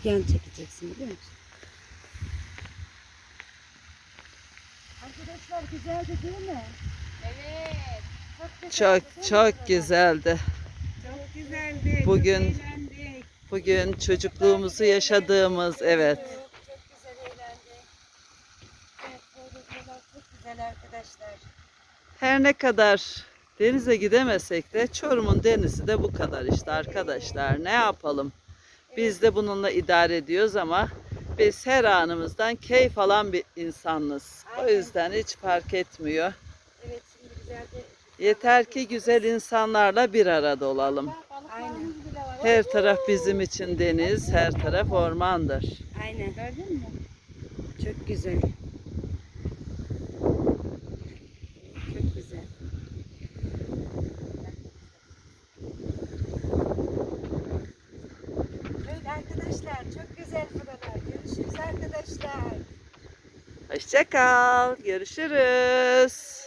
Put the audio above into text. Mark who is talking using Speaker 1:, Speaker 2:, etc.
Speaker 1: yan çekeceksin biliyor musun? Arkadaşlar güzeldi değil mi?
Speaker 2: Evet.
Speaker 3: Çok güzeldi.
Speaker 2: Çok güzeldi.
Speaker 3: Bugün-
Speaker 2: Çok eğlendik.
Speaker 3: Bugün çocukluğumuzu yaşadığımız, evet.
Speaker 1: Çok güzel eğlendik. Evet, böyle buralar çok güzel arkadaşlar.
Speaker 3: Her ne kadar denize gidemesek de Çorum'un denizi de bu kadar işte arkadaşlar. Ne yapalım? Biz de bununla idare ediyoruz ama biz her anımızdan keyif alan bir insanız. O yüzden hiç fark etmiyor.
Speaker 1: Evet, şimdi güzelce.
Speaker 3: Yeter ki güzel insanlarla bir arada olalım.
Speaker 1: Aynen.
Speaker 3: Her taraf bizim için deniz, her taraf ormandır.
Speaker 1: Aynen.
Speaker 2: Gördün mü?
Speaker 1: Çok güzel. Çok güzel. Evet arkadaşlar, çok güzel buralar. Görüşürüz arkadaşlar.
Speaker 3: Hoşça kal, görüşürüz.